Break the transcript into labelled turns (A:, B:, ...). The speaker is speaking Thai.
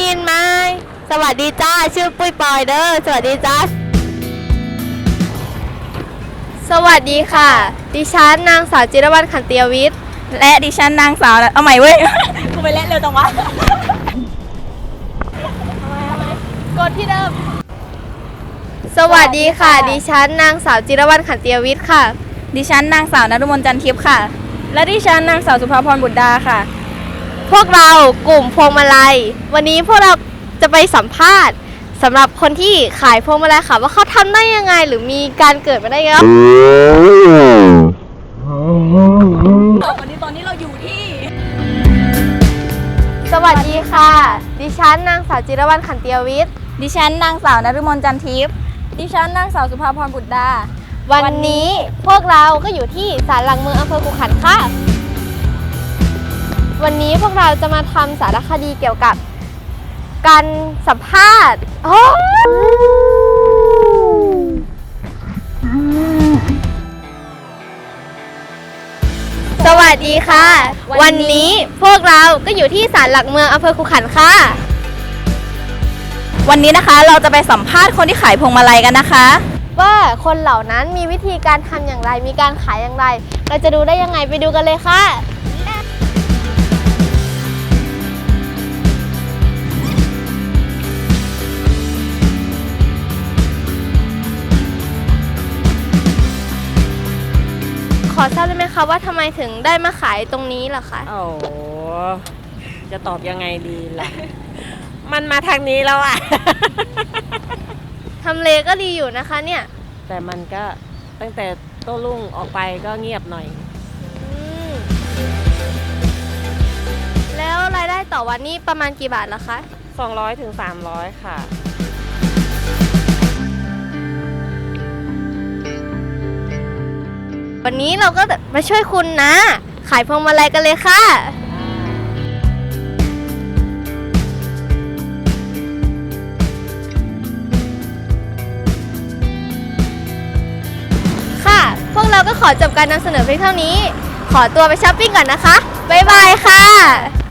A: ยินไหมสวัสดีจ้าชื่อปุ้ยปอยเด้อสวัสดีจ้าสวัสดีค่ะดิฉันนางสาวจิรวรรณขันติยวิทย์
B: และดิฉันนางสาวเอาใหม่เว้ย กูไปเล่นเร็วจังวะ
A: กดที่เดิมสวัสดีค่ะดิฉันนางสาวจิรวรรณขันติยวิทย์ค่ะ
B: ดิฉันนางสาวนฤมลจันทิพย์ค่ะและดิฉันนางสาวสุภาพรบุตรดาค่ะ
A: พวกเรากลุ่มพวงมาลัยวันนี้พวกเราจะไปสัมภาษณ์สำหรับคนที่ขายพวงมาลัยค่ะว่าเขาทำได้ยังไงหรือมีการเกิดมาได้ยังไง
B: วันนี้ตอนนี้เราอยู่ที่
A: สวัสดีค่ะดิฉันนางสาวจิรวรรณขันติยวิทย์
B: ดิฉันนางสาวนฤมลจันทิพย์ดิฉันนางสาวสุภาพรบุตรดา
A: วันนี้พวกเราก็อยู่ที่ศาลหลักเมืองอำเภอขุขันธ์ค่ะวันนี้พวกเราจะมาทำสารคดีเกี่ยวกับการสัมภาษณ์สวัสดีค่ะวันนี้พวกเราก็อยู่ที่ศาลหลักเมืองอำเภอขุขันธ์ค่ะ
B: วันนี้นะคะเราจะไปสัมภาษณ์คนที่ขายพวงมาลัยกันนะคะ
A: ว่าคนเหล่านั้นมีวิธีการทำอย่างไรมีการขายอย่างไรเราจะดูได้ยังไงไปดูกันเลยค่ะขอทราบได้ไหมคะว่าทำไมถึงได้มาขายตรงนี้ล่ะคะ
C: โอ้จะตอบยังไงดีล่ะ มันมาทางนี้แล้วอะ
A: ทำเลก็ดีอยู่นะคะเนี่ย
C: แต่มันก็ตั้งแต่โต้รุ่งออกไปก็เงียบหน่อย
A: แล้วรายได้ต่อวันนี้ประมาณกี่บาทล่ะคะ
C: 200 ถึง 300ค่ะ
A: วันนี้เราก็มาช่วยคุณนะขายพวงมาลัยกันเลยค่ะค่ะพวกเราก็ขอจบการนำเสนอเพียงเท่านี้ขอตัวไปช้อปปิ้งก่อนนะคะบ๊ายบายค่ะ